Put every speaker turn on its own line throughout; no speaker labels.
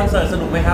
อนเสิร์ตสนุกไหมครับ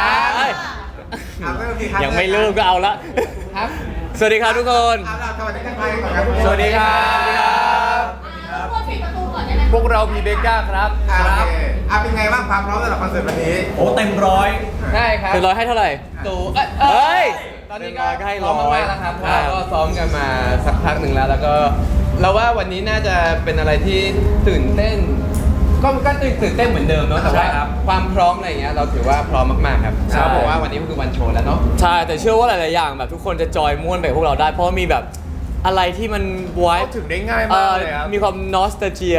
ยังไม่เริ่มก็เอาละครับสวัสดีครับทุกคนสวัสดีครับพวกเราพีเบก้าครับ
เป็นไงบ้างความพร้อมสำหรับคอนเสิร์ตวันนี้
โอ้เต็มร้อย
ใช่ครับเต็มร้อยให้เท่าไหร่ตู่เฮ้ยตอนนี้ก็ให้ร้อยแล้วครับเพราะก็ซ้อมกันมาสักพักหนึ่งแล้วก็เราว่าวันนี้น่าจะเป็นอะไรที่ตื่นเต้นก็ตื่นเต้นเหมือนเดิมเนาะแต่ว่าความพร้อมอะไรอย่างเงี้ยเราถือว่าพร้อมมากๆครับเพราะว่าวันนี้ก็คือวันโชว์แล้วเนาะใช่แต่เชื่อว่าหลายๆอย่างแบบทุกคนจะจอยม่วนไปพวกเราได้เพราะมีแบบอะไรที่มันไว้
ถึงได้ง่ายมากเลยครับ
มีความนอสตาเจีย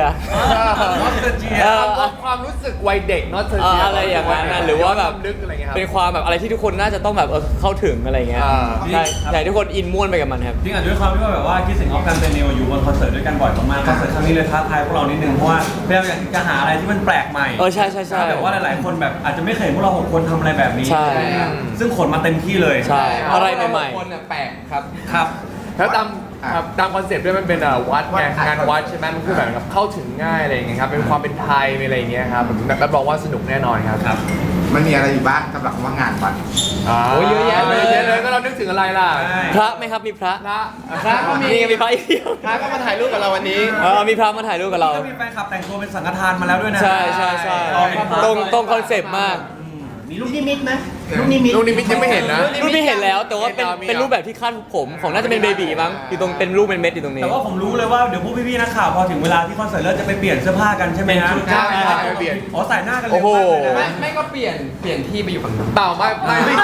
ความรู้สึกวัยเด็กนอสตาเจีย
อะไรอย่างนั้นหรือว่าแบบเป็นความแบบอะไรที่ทุกคนน่าจะต้องแบบเข้าถึงอะไรเงี้ยใช่ใช่ทุกคนอินม่วนไปกับมันครับ
จริงอ่ะด้วยความที่ว่าแบบว่าคิดสิ่งออฟกันเป็นเนวอยู่บนคอนเสิร์ตด้วยกันบ่อยมากๆคอนเสิร์ตครั้งนี้เลยท้าทายพวกเรานิดนึงเพราะว่าพยายามอยากจะหาอะไรที่มันแปลกใหม่
ใช่ใช่ใช่
แต่ว่าหลายๆคนแบบอาจจะไม่เคยเห็นพวกเรา6คนทำอะไรแบบนี้ซึ่งขนมาเต็มที่เลย
ใช่อะไรใหม่ๆ
คนแปลกครับ
ครับ
แล้วตามคอนเซ็ปต์ด้วยมันเป็นวัดไงงานวัดใช่ไหมมันคือแบบเข้าถึงง่ายอะไรอย่างเงี้ยครับเป็นความเป็นไทยอะไรอย่างเงี้ยครับรับรองว่าสนุกแน่นอนครับ
มันมีอะไรอยู่บ้างสำหรับว่างานวัด
โอ้เยอะแยะเลยก็เรานึกถึงอะไรล่ะ
พระไหมครับมีพระ
ก็มี
พระอีกเดียว
พระก็มาถ่ายรูปกับเราวันนี้
มีพระมาถ่ายรูปกับเรา
มีแฟนคลับแต่งตัวเป็นสังฆทานมาแล้วด้วยนะ
ใช่ใช่ใช่ตรงคอนเซ็ปต์มาก
มีลูกนิมิตไหม
ลูกนิมิตยังไม่เห็นนะ
รูปไม่เห็นแล้วแต่ว่าเป็นรูปแบบที่คาดผมของน่าจะเป็นเบบีมั้งอยู่ตรงเป็นรูปเป็นเม็ดอยู่ตรงนี้
แต่ว่าผมรู้เลยว่าเดี๋ยวพวกพี่ๆนักข่าวพอถึงเวลาที่คอนเสิร์ตเริ่มจะไปเปลี่ยนเสื้อผ้ากันใช่ไหมฮะ
ใช่เปลี่ยน
ใส่หน้ากันเลย
ไม่ก็เปลี่ยนที่ไปอยู่ฝั่งนู้นเปล่าไม่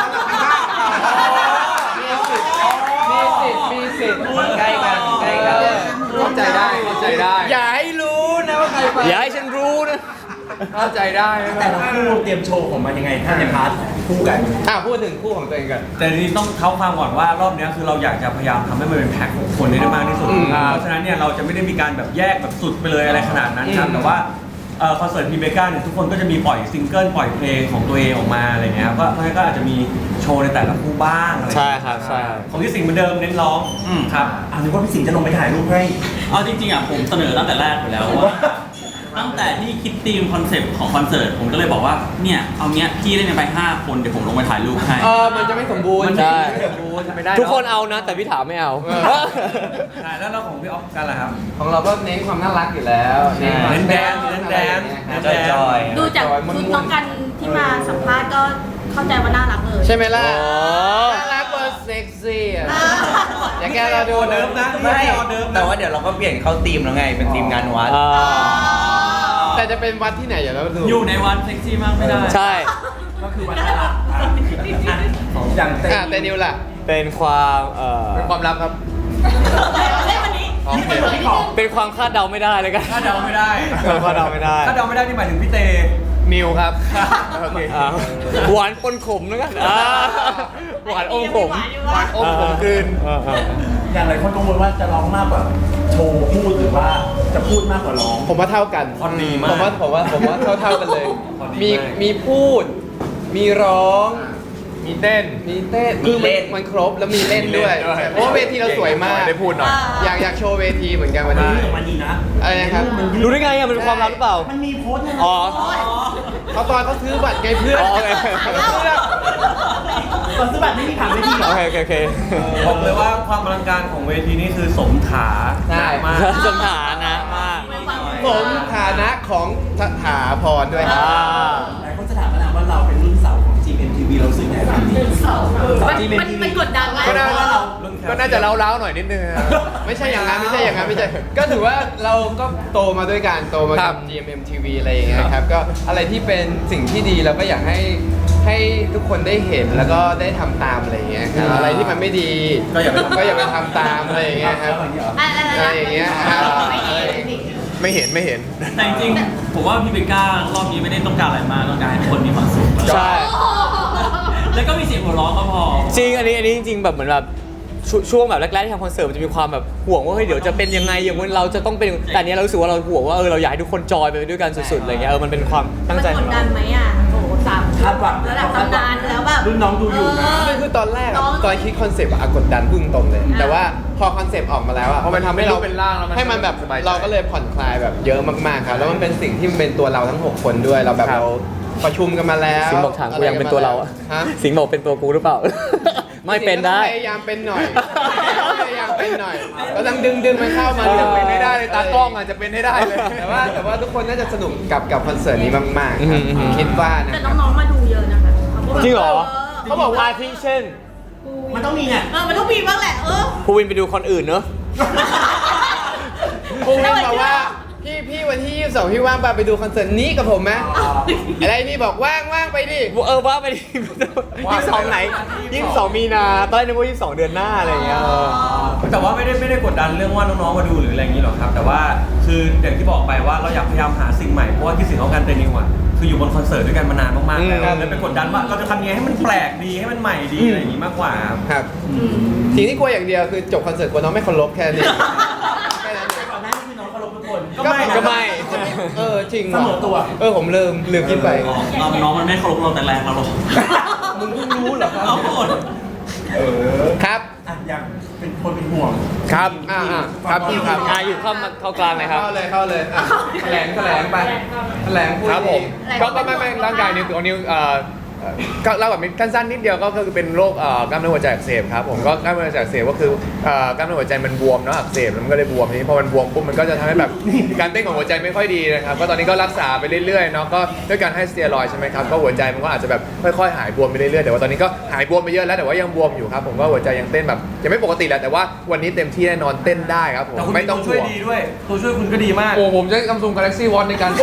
มีสิทธิ์ใกล้กันเข้าใจได้อย่าให้รู้นะว่าใครไป
อย่าให้ฉันรู้นะ
เข้าใจได้
แต่ละคู่เตรียมโชว์ของมันยังไงถ้าในพาร์ทคู่กัน
พูดถึงคู่ของตัวเองกัน
แต่ทีนี้ต้องเท้าความก่อนว่ารอบนี้คือเราอยากจะพยายามทำให้มันเป็นแพ็คของคนได้มากที่สุดเพราะฉะนั้นเนี่ยเราจะไม่ได้มีการแบบแยกแบบสุดไปเลยอะไรขนาดนั้นครับแต่ว่าคอนเสิร์ตพีเบก้าเนี่ยทุกคนก็จะมีปล่อยซิงเกิลปล่อยเพลงของตัวเองออกมาอะไรเงี้ยครับก็อาจจะมีโชว์ในแต่ละคู่บ้างอะไร
ใช่ครับใช่
ของพี่สิงห์เหมือนเดิมเน้นร้องครับ
นึกว่าพี่สิงห์จะลงไปถ่ายรูปให้
เอาจริงๆอ่ะผมเสนอตั้งแต่แรกไปแล้วว่าตั้งแต่ที่คิดธีมคอนเซปต์ของคอนเสิร์ตผมก็เลยบอกว่าเนี่ยเอาเนี้ยพี่เล่นไป5 คนเดี๋ยวผมลงไปถ่ายรูปให้
มันจะไม่สมบูรณ์
ใช่
ไม่ได้
ทุกคนเอานะแต่พี่ถามไม่เอา
แล้วเราของพี่ออฟกันล่ะครับ
ของเราก็เน้นความน่ารักอยู่แล้ว
เน้นแดน
จอยดูจากชุดน้องกันที่มาสัมภาษณ์ก็เข้าใจว่าน่ารักเลย
ใช่ไหมล่ะน่ารักเวอร์เซ็กซี่อย่าแกเราดู
เดิมนะ
ไม่แต่ว่าเดี๋ยวเราก็เปลี่ยนเข้าธีมแล้วไงเป็นธีมงานวัด
แต่จะเป็นวัดที่ไหนอย่าเราดู
อยู่ในวัดเซ็กซี่มากไม่ได้
ใช่
ก็คือวัดน่ารักอย่าง
เต้นิวล่ะ
เป็นความ
เป็นความลับครับ
เป็นความคาดเดาไม่ได้เลยกัน
คาดเดาไม่ได้
คาดเดาไม่ได้
นี่หมายถึงพี่เต
นิวครับ
หวานปนขมแล้วกันหวานอมขม
กลืน
อย่างไรคนกังวลว่าจะร้องมากกว่าโชว์พูดหรือว่าจะพูดมากกว่าร้อง
ผมว่าเท่ากันผมว่าเท่ากันเลยมีพูดมีร้องมีเต้นคือมันครบแล้วมีเล่นด้วยเพราะว่าเวทีเราสวยมากได้พูดหน่อยอยากโชว์เวทีเหมือนกันวันนี้
มันดีนะ
อะไรนะครับ
รู้ได้ไงมันเป็นความลับหรือเปล่า
มันมีโค้ดนะ
เขาตอนเขาซื้อบัตรไงเพื่อน
ตอนซื้อบัตรไม่มีถามเวทีหรอ
โอเค
บอกเลยว่าความอลังการของเวทีนี้คือสมฐานะมาก
สมฐานะมาก
สมฐานะของสถาพรด้วยครับ
หลายคนจะถามมาว่าเราเป็นรุ่นเสาของ GMTV เราซื้อไหนบ้าง
มันกดดันไหม
ก็น่าจะเล้าๆหน่อยนิดนึงไม่ใช่อย่างนั้นก็ถือว่าเราก็โตมาด้วยกันโตมากับ GMMTV อะไรอย่างเงี้ยครับก็อะไรที่เป็นสิ่งที่ดีเราก็อยากให้ทุกคนได้เห็นแล้วก็ได้ทำตามอะไรอย่างเงี้ยครับอะไรที่มันไม่ดีก็อย่าไปทำตามอะไรอย่างเงี้ยครับอะไรอย่างเงี้ยไม่เห็น
แต่จริงๆผมว่าพี่เบก้ารอบนี้ไม่ได้ต้องการอะไรมากต้องการให้ทุกคนมีความสุข
ใช่
แล้วก็มีเสียงหัวเราะก็พอ
จริงอันนี้จริงๆแบบเหมือนแบบช่วงแบบแรกๆที่ทำคอนเสิร์ตมันจะมีความแบบห่วงว่าเฮ้ยเดี๋ยวจะเป็นยังไงอย่างวันเราจะต้องเป็นแต่เนี้ยเรารู้สึกว่าเราห่วงว่าเราอยากให้ทุกคนจอยไปด้วยกันสุดๆอะไรเงี้ยมันเป็นความตั้งใจ
มันกดดันไหมอ่ะโอ้3คาดหวังระดับตำนานแล้วแบบ
รุ่นน้องดูอยู่นะ
คือตอนแรกตอนคิดคอนเซปต์กดดันพุ่งตรงเลยแต่ว่าพอคอนเซปต์ออกมาแล้วพอมันทำให้เราเป็นร่างให้มันแบบเราก็เลยผ่อนคลายแบบเยอะมากๆครับแล้วมันเป็นสิ่งที่มันเป็นตัวเราทั้ง6คนด้วยเราแบบเรา
ประชุมกันมาแล้ว
สิงห์บอกถามกูยังเป็นตัวเราอะ
ฮะ
สิงห์บอกเป็นตัวกูหรือเปล่า ไม่เป็นได้
พยายามเป็นหน่อยพยายามเป็นหน่อยก็ต้องดึงมันเข้ามา
จะเป็น
ไม่
ให้ได้
ได้
เล
เลย ย
ตา
ตาก ก
ล้
ล้
อ
อง ง
อา
อา
จ
จ
จะ
จะ
เป็
เป็น น
ให้
ให้
ได้
ได้
เล
เลย ยแต่ว่าทุกคนน่าจะสนุกกับคอนเสิร์ตนี้มากๆ
อืม
คิดว่านะ
แต่น้องๆมาดูเยอะนะคะ
จริงเหรอ
เขาบอกว่า
อาทิเช่น
มันต้องมีไง
มันต้องมีบ้างแหละ
ภูวินไปดูคนอื่นเนอะ
พรุ่งนี้บอกว่าพี่วันที่22พี่ว่างป่ะไปดูคอนเสิร์ตนี้กับผมไหมอะไรนี่บอกว่างไปดิ
ว่าไปดิ22ไหน22มีนาตอนแรกนึกว่า22เดือนหน้าอะไรอย่างเงี้ย
แต่ว่าไม่ได้กดดันเรื่องว่าน้องๆมาดูหรืออะไรอย่างนี้หรอกครับ แต่ว่าคืออย่างที่บอกไปว่าเราอยากพยายามหาสิ่งใหม่เพราะว่าที่สิ่งของการเตนิวอ่ะคืออยู่บนคอนเสิร์ตด้วยกันมานานมากๆแล้วเลยไปกดดันว่าเราจะทำยังไงให้มันแปลกดีให้มันใหม่ดีอะไรอย่างนี้มากกว่าครับ
ครับสิ่งที่กลัวอย่างเดียวคือจบคอนเสิร์ตกลัวน้องไม่เคารพแค่นี้แค่นั้นเอง
ก่อนหน้านี้คือน้องเคารพทุกคน
ก็ไม่
จริง
เสมอตัว
ผมลืมคิดไป
น้องมันไม่เคารพเราแต่แรกเราหรอก
มึงเพิ่งรู้เหรอครับ
เอาหมด
ครับ
อ่ะอยากเป็นคนเป็นห่วง
ครับครับพี่ครับ
อยู่เข้ากลางเลยครับ
เข้าเลยอ่ะแถลงไปแถลงพูด
ครับผม
ดี
ก็ไม่ร่างกายนิ้วตัวนิ้วก็เล่าแบบสั้นๆนิดเดียวก็คือเป็นโรคกล้ามเนื้อหัวใจอักเสบครับผมก็กล้ามเนื้อหัวใจอักเสบก็คือกล้ามเนื้อหัวใจมันบวมเนาะอักเสบแล้วมันก็เลยบวมทีนี้พอมันบวมปุ๊บมันก็จะทำให้แบบการเต้นของหัวใจไม่ค่อยดีนะครับก็ตอนนี้ก็รักษาไปเรื่อยๆเนาะก็ด้วยการให้สเตียรอยด์ใช่ไหมครับก็หัวใจมันก็อาจจะแบบค่อยๆหายบวมไปเรื่อยๆแต่ว่าตอนนี้ก็หายบวมไปเยอะแล้วแต่ว่ายังบวมอยู่ครับผมก็หัวใจยังเต้นแบบยังไม่ปกติแหละแต่ว่าวันนี้เต็มที่แน่นอนเต้นได้ครับผม
แต่คุณ
ไม่ต้อง
ช่วย
ห่วง
ดีด้วยตัวช่วยคุณก็ดีมาก
โอ้ผมใช้ Samsung Galaxy Watch ในการ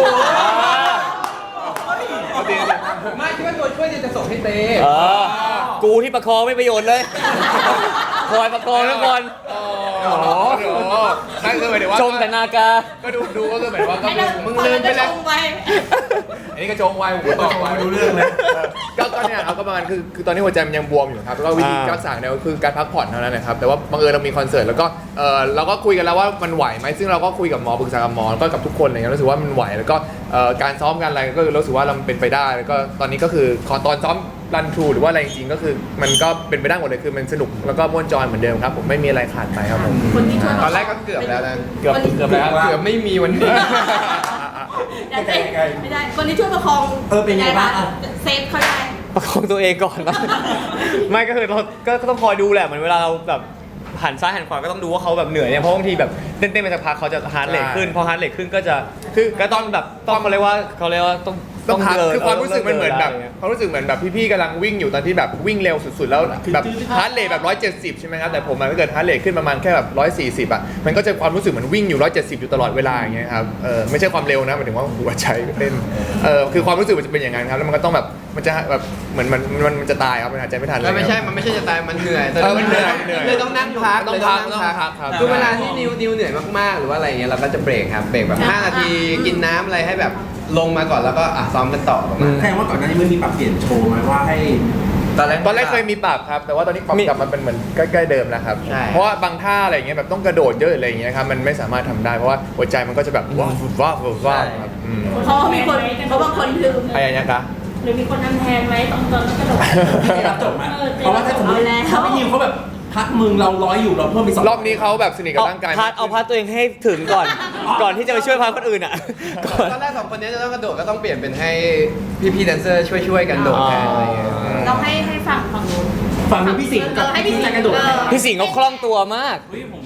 ไม่คิดว่าตัวช่วยเนี่ยจะส่งให้เต้
กูที่ประคองไม่ประโยชน์เลย คอยประคองทุกคน
โอ้โหนั่นคือหมายถึงว่า
ชมแต่นากา
ก็ดูก็คือหมายว่าก็
ให้เรา
มึงลืมไปแล้ว
ชงไป
อันนี้ก็โจงไวผมตอบไวไม่รู้เรื่องเลยก็เนี่ยเอาก็ประมาณคือตอนนี้หัวใจมันยังบวมอยู่ครับแล้วก็วิธีรักษาเนี่ยก็คือการพักผ่อนเท่านั้นนะครับแต่ว่าบังเอิญเรามีคอนเสิร์ตแล้วก็เราก็คุยกันแล้วว่ามันไหวไหมซึ่งเราก็คุยกับหมอปรึกษากับหมอแล้วก็กับทุกคนอะไรเงี้ยรู้สึกว่ามันไหวแล้วก็การซ้อมกันอะไรก็รู้สึกว่าเราเป็นไปได้แล้วก็ตอนนี้ก็คือตอนซ้อมรันทรูหรือว่าอะไรจริงๆก็คือมันก็เป็นไปได้หมดเลยคือมันสนุกแล้วก็ม่วนจอยเหมือนเดิมครับผมไม่มีอะไรขาดไปครับผม
คนที่ช่วย
ตอนแรกก็เกือบแล้วนะ
เกือบแล้ว
เกือบไม่มีวันนี้
แต่ไม่ได้คนที่ช่วยประคอง
เป็นไงบ้าง
เซฟเขาได้
ประคองตัวเองก่อนนะ ไม่ก็คือเราก็ต้องคอยดูแหละเหมือนเวลาเราแบบหันซ้ายหันขวาก็ต้องดูว่าเขาแบบเหนื่อยเนี่ยเพราะบางทีแบบเต้นไปสักพักเขาจะฮาร์ดเรทขึ้นพอฮาร์ดเรทขึ้นก็จะคือก็ต้องแบบต้องเขาเรียกว่าต้อง
พัก
เดิน
คือความรู้สึกมันเหมือนแบบ
ได้
ความรู้สึกเหมือนแบบพี่ๆกำลังวิ่งอยู่ตอนที่แบบวิ่งเร็วสุดๆแล้วแบบฮาร์ดเรทแบบ170ใช่ไหมครับแต่ผมมันถ้าเกิดฮาร์ดเรทขึ้นประมาณแค่แบบ140อ่ะมันก็จะความรู้สึกเหมือนวิ่งอยู่170อยู่ตลอดเวลาอย่างเงี้ยครับไม่ใช่ความเร็วนะหมายถึงว่าหัวใจเต้นคือความรู้สึกมันจะเป็นอย่างนั้นครับแล้วมันก็ต้องแบบมันจะแบบเหมือนมันจะตายครับมันหายใจไม่ทันเลย
มันไม่ใช่จะตายมันเหนื่อย
มันเหนื่อย
เลยต้องนั่งพัก
ต้องพักครับ
คือเวลาที่นิวเหนื่อยมากๆหรือว่าอะไรเงี้ยเราก็จะเบรกครับเบรกแบบ5 นาทีกินน้ำอะไรให้แบบลงมาก่อนแล้วก็ซ้อมกันต่อประมาณ
แสดงว่าก่อนหน้านี้มันมีปรับเปลี่ยนโชว์ไหมว่าให้
ตอนแรกเคยมีปรับครับแต่ว่าตอนนี้ปรับกลับมาเป็นเหมือนใกล้ๆเดิมแล้วครับ
ใช่
เพราะว่าบางท่าอะไรอย่างเงี้ยแบบต้องกระโดดเยอะอะไรอย่างเงี้ยครับมันไม่สามารถทำได้เพราะว่าหัวใจมันก็จะแบบว้าวครับ
เพราะว่ามีคนเพราะบางคนลืม
อะไรอย่างเงี้ยคะ
หรือมีคนนำแทนไหมตอนกระโดด
ได้รับจบไหมเพราะว่าถ้าสมมติพี่นิวเขาแบบพักมึงเราร้อยอยู่เราเพิ่มไป2
รอบนี้เขาแบบสนิทกับร่างกาย
เอาพาร์ทตัวเองให้ถึงก่อน ก่อนที่จะไปช่วยพาร์ทคนอื่นอ่ะก่อน
ตอนแรก2 คนนี้จะต้องกระโดดก็ต้องเปลี่ยนเป็นให้พี่แดนเซอร์ช่วยกันโดดแทนอะไรเงี้ย
เราให้ฝั่งนู้น
ฝั่งนี้พี่สิงห์กับ
ให้พี่สิงห์
จะกระโดด
พี่สิงห์เขาคล่องตัวมาก
เฮ้ยผม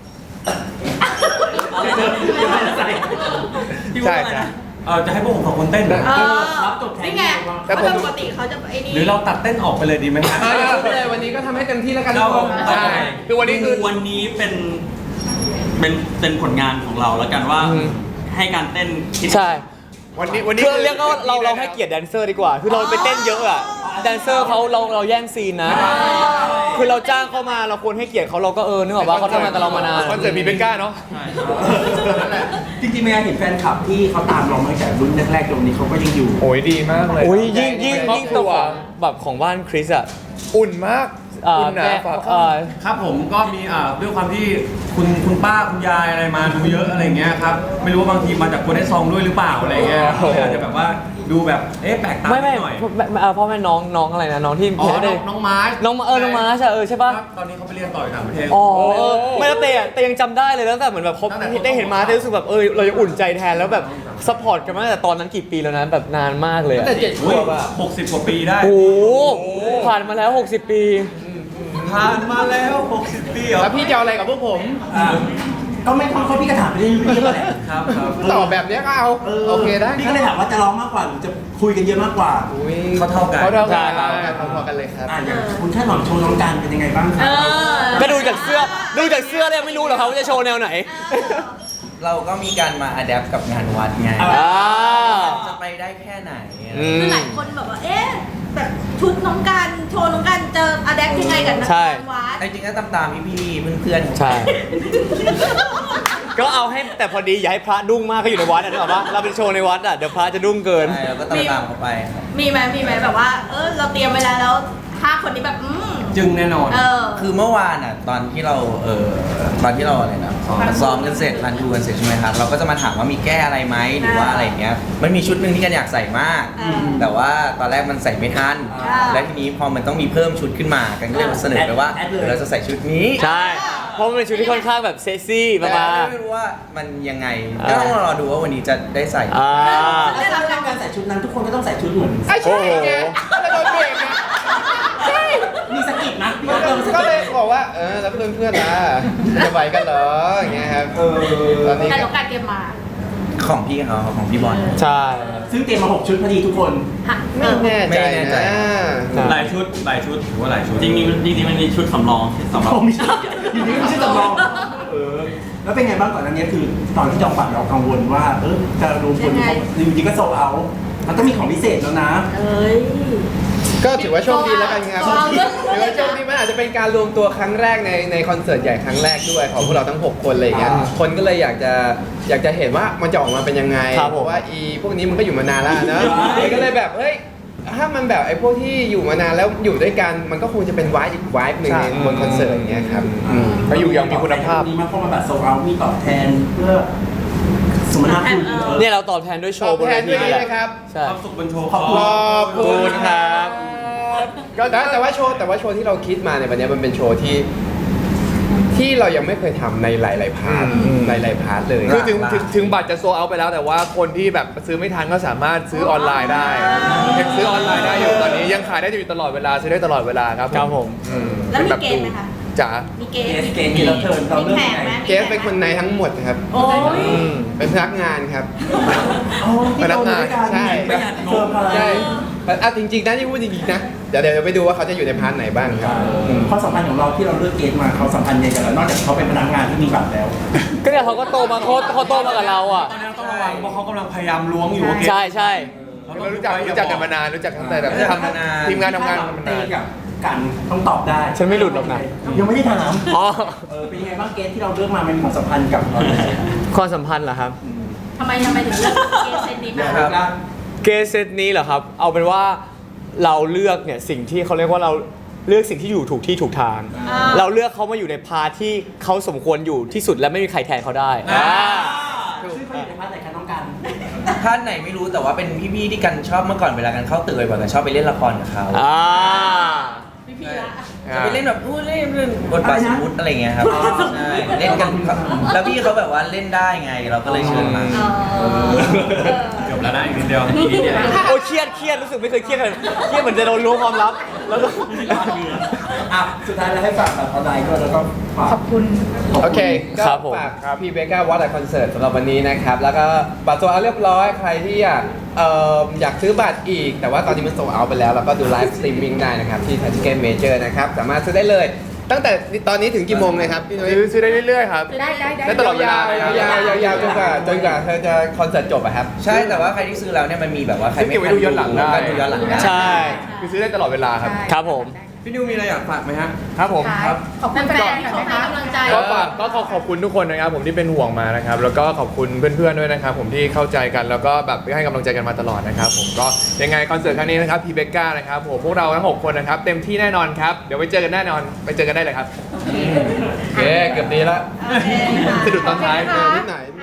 ใช่ใช่
จะให้พวกผมสองคนเต้นเหรอ
รับจบแทน
นี่ไงเพราะปกติเขาจะไอ้นี่
หรือเราตัดเต้นออกไปเลยดีไหมครับ
เลยวันนี้ก็ทำให้เต็มที่แล้วกันทุกคน
ใช่
คือวันนี้คือ
วันนี้เป็นผลงานของเราแล้วกันว่าให้การเต้นคิด
ใช่
วันนี้
คือเรียกว่าเราให้เกียรติแดนเซอร์ดีกว่า คือเราไปเต้นเยอะอะแดนเซอร์เขาเราแย่งซีนนะ คือเราจ้างเขามาเราควรให้เกียรติเขาเราก็นึกออกว่าเขาทำงานกับเรามานาน
คอนเสิร์ตมีเบก้าเนาะ
จริงๆเมื่อเห็นแฟนคลับที่เขาตามเรามาตั้งแต่รุ่นแรกๆตรงนี้เขาก็ยังอยู่
โอ้ยดีมากเลย
โอ้ยยิ่ง
ครอบค
ตั
รั
ว
ว
แบบของบ้านคริสอะ
อุ่นมากอุ่นหนาฝาข้าง
ครับผมก็มีด้วยความที่คุณป้าคุณยายอะไรมาดูเยอะอะไรเงี้ยครับไม่รู้ว่าบางทีมาจากคนได้ซองด้วยหรือเปล่าอะไรเงี้ยเลยอาจจะแบบว่าดูแบบแปลกตา
ไม่
หน่อย
พ่อแม่น้องอะไรนะน้องที่
อ๋อ
ได้
น้องมาร์ช
น้องมาร์ชใช่ป่ะ
ตอนนี้เขาไปเรียนต่ออยู่ต่างประเทศ
อ๋อไม่แล้วเตยังจำได้เลยตั้งแต่เหมือนแบบเขาได้เห็นมาเตรู้สึกแบบเราจะอุ่นใจแทนแล้วแบบซัพพอร์ตกันมาตั้งแต่ตอนนั้นกี่ปีแล้วนะแบบนานมากเลย
ตั้งแต่7 ขวบอะ
60 กว่าปีได้
โอ้ผ่านมาแล้ว 60 ปี
ผ่านมาแล้ว 60 ปีเหรอ
แล้วพี่จะเอาอะไรกับพวกผม
ก็ไม่ท้องเขาพี่ก็ถามไปเรื่อยๆแหละ
ครับ
ตอบแบบเนี้ยก็เอาโอเคได้
พี่ก็เลยถามว่าจะร้องมากกว่าหรือจะคุยกันเยอะมากกว่า
เขาเท่ากัน
เขาเท่ากัน
ใช่
พอๆกันเลยครับ
อย่างคุณแค่หน่อยโชว์น้องการเป็นยังไงบ้างครั
เอบ อ
ก็ดูจากเสื้อเลยไม่รู้หรอกครับว่าจะโชว์แนวไหน
เราก็มีการมาอัดแอปกับงานวัดไง
อ่า
จะไปได้แค่ไหน
คือหลายคนแบบว่า แบบชุดน้องกันโชว์น้องกันจะอะแดปยังไงกับนัก
ใช่
การวัด
จริงๆก็ตามพี่ๆเพื่อนๆ
ใช่ ก็เอาให้แต่พอดีอย่าให้พระดุ้งมากก็อยู่ในวัดนึกออกปะเราเป็นโชว์ในวัดเดี๋ยวพระจะดุ้งเกิน
ใช่เราก็ตามเขาไปครับ
มีไหมแบบว่า เราเตรียมไว้แล้ว5 คนนี้แบบ
จึงแน่นอน
คือเมื่อวานตอนที่เราอะไรนะซ้อมกันเสร็จรันทูกันเสร็จใช่ไหมครับเราก็จะมาถามว่ามีแก้อะไรไหมหรือว่าอะไรเงี้ยมันมีชุดหนึ่งที่กันอยากใส่มาก แต่ว่าตอนแรกมันใส่ไม่ทันและทีนี้พอมันต้องมีเพิ่มชุดขึ้นมากันก็เลยมาเสนอไปว่าเดี๋ยวเราจะใส่ชุดนี้
ใช่ เพราะมันเป็นชุดที่ค่อนข้างแบบเซ็กซี่ประมาณ
ไม่รู้ว่ามันยังไงก็ต้องรอดูว่าวันนี้จะได้ใส่
แล้วถ้าการใส่ชุดนั้นทุกคนก็ต้องใส่ชุดเหมือน
ใช่ไงแล้วโดนเบรกไงใช่
มีสกิปนะพี่ก็เริ่มส
ก็
กิ
เล
ป
ยบอกว่าแล้วเพื่อนๆล่ะจะไหวกันเหรออย่างเงี้ยครับตอนนี้
แต่น้องกันเตรียมมา
ของพี่เขาของพี่บอล
ใช่
ซึ่งเตรียมมา6 ชุดพอดีทุกคน
ไม่แน่ใจ
ไม่แน่ใจ
นะ
หลายชุดถือว่าหลายชุด
จริงๆมันมีชุดสำรองสำหรับ
โอ้ไม่ใช่อยู่นี่ไม่ใช่จำลองแล้วเป็นไงบ้างก่อนอันนี้คือตอนที่จองบัตรเรากังวลว่าจะรวมคนจริงๆก็โซเอามันต้องมีของพิเศษแล้วนะ
ก็ถือว่าโชคดีแล้วกันครับ ถือว่าโชคดีมันอาจจะเป็นการรวมตัวครั้งแรกในคอนเสิร์ตใหญ่ครั้งแรกด้วยของพวกเราทั้ง 6 คนอะไรอย่างเงี้ย คนก็เลยอยากจะเห็นว่ามันจะออกมาเป็นยังไง
ครับผม
เพราะว่าพวกนี้มันก็อยู่มานานแล้วนะมันก็เลยแบบเฮ้ยถ้ามันแบบไอ้พวกที่อยู่มานานแล้วอยู่ด้วยกันมันก็คงจะเป็นวายอีกวายหนึ่งในบนคอนเสิร์ตอย่างเงี้ยครับ
มาอยู่อย่างมีคุณภาพ
ดีมากเพราะมันบัตรโซเอามีตอบแทนเพื่อสมนาคุณ
เนี่ยเราตอบแทนด้วยโช
ตอ
ว์
บบ
น
แท
เวน ที
ด้วย
นี่
ดี
แหละ
นะครับ
ใช่
ความสุขบนโชว์
ขอบคุณ
ขอบคุณ
ครับ
ก็แต่ว่าโชว์ที่เราคิดมาในวันนี้มันเป็นโชว์ที่เรายังไม่เคยทำในหลายๆพาร์ทหลายๆพาร์ทเลย
คือถึงบัตรจะโซเอาไปแล้วแต่ว่าคนที่แบบซื้อไม่ทันก็สามารถซื้อออนไลน์ได้ยังซื้อออนไลน์ได้อยู่ตอนนี้ยังขายได้อยู่ตลอดเวลาซื้อได้ตลอดเวลาครับ
ครับผม
แล้วมี
ป็นบบ
เกณฑ์ไหมคะ
จ๋า
มีเก
เก
ณฑ์
สเกณฑ์ที่เราเชิญเรา
มี
เรื่อง
แข
ยัง
กไหม
ไง
เกสเป็นคนในทั้งหมดครับ
โอ้ย
เป็นพนักงานครับ
พนักงานใช่
ประหยัดงบ
ใช่จริงๆนะที่พูดจริงๆนะเดี๋ยวไปดูว่าเขาจะอยู่ในพาร์ทไหนบ้างครับ
ความสัมพันธ์ของเราที่เราเลือกเกณฑ์มาเขาสัมพันธ์ยังไงกันแล้วนอกจากเขาเป็นพนักงานที่มีบัตรแล้ว
ก็เนี่ยเขาก็โตมาเขาโตมากับเราอ่ะ
ตอนนี้เราต้องระวังเพราะเขากำลังพยายามล้วงอยู่ว่าเกม
ใช่ใช่
เรารู้จักกันมานานรู้จักตั้งแต่แบบทำทีมงานทำงานกันมานาน
กับกันต้องตอบได้
ฉันไม่หลุดหรอกนะ
ยังไม่ได้ถาม
อ๋อ
เป็นยังไงบ้างเกณฑ์ที่เราเลือกมามันมีความสัมพันธ์กับเราไหน
ความสัมพันธ์เหรอครับ
ทำไมถึงเลือกเกณฑ์เซนนี้มา
ครับ
เกสเซตนี้เหรอครับ เอาเป็นว่าเราเลือกเนี่ยสิ่งที่เขาเรียกว่าเราเลือกสิ่งที่อยู่ถูกที่ถูกทาง เราเลือกเขามาอยู่ในพาร์ทที่เขาสมควรอยู่ที่สุดและไม่มีใครแทนเขาได้
ซึ่งเขาอยู่ในพาร์ทไหนคะน้องกัน
ท่านไหนไม่รู้แต่ว่าเป็นพี่ๆที่กันชอบเมื่อก่อนเวลากันเข้าตึกบ่อยๆกันชอบไปเล่นละครกับเขา
พี่ละ
จะไปเล่นแบบเล่นบทบาทสมมุติอะไรเงี้ยครับใช่เล่นกันแล้วพี่เขาแบบว่าเล่นได้ไงเราก็เลยเชิญมา
เกือบแล้วนะอีกนิดเดียวอีกนิดเดียว
โอ้ยเครียดรู้สึกไม่เคยเครียดเลยเครียดเหมือนจะโดนล้วงความลับแล้วก็
สุดท้ายเราให้ฝากบัตรออนไลน์ด้วยแล้วก็ฝาก
โอเคก็
ครับผม
ฝากพี่เบก้าวัดคอนเสิร์ตสำหรับวันนี้นะครับ แล้วก็บัตรโซเอาเรียบร้อยใครที่อยากซื้อบัตรอีก แต่ว่าตอนนี้มันโซเอาไปแล้วแล้วก็ดูไลฟ์สตรีมมิ่งได้นะครับ ที่ Touch Game Major นะครับ สามารถซื้อได้เลย ตั้งแต่ตอนนี้ถึงกี่โมงเลยครับพี่นุ้ย
ซื้อได้เรื่อยๆครับ
ได้
ได้ตลอดเวลาเลยครับ
ยาวๆจนกว่าเธอจะคอนเสิร์ตจบอะครับ
ใช่แต่ว่าใครที่ซื้อแล้วเนี่ยมันมีแบบว่าใครไม่
เก็บไว้ดูย้อนหลังได้
ก็ดูย้อนหลังได้
ใช่
คือซื้อได้ตลอดเวลาครับ
ครับผม
พี่นิวมีอะไรอยากฝากไหมฮะ
ครับผมครับ
ขอบคุณแฟนๆที่เขาให้กำลังใจ
ก็ฝากก็ขอบคุณทุกคนนะครับผมที่เป็นห่วงมานะครับแล้วก็ขอบคุณเพื่อนๆด้วยนะครับผมที่เข้าใจกันแล้วก็แบบให้กำลังใจกันมาตลอดนะครับผมก็ยังไงคอนเสิร์ตครั้งนี้นะครับพีเบก้านะครับผมพวกเราทั้ง6คนนะครับเต็มที่แน่นอนครับเดี๋ยวไปเจอกันแน่นอนไปเจอกันได้เลยครับ
โอเคเกือบดีแล้ว
สะดุดตอนท้าย
นิดหน่อย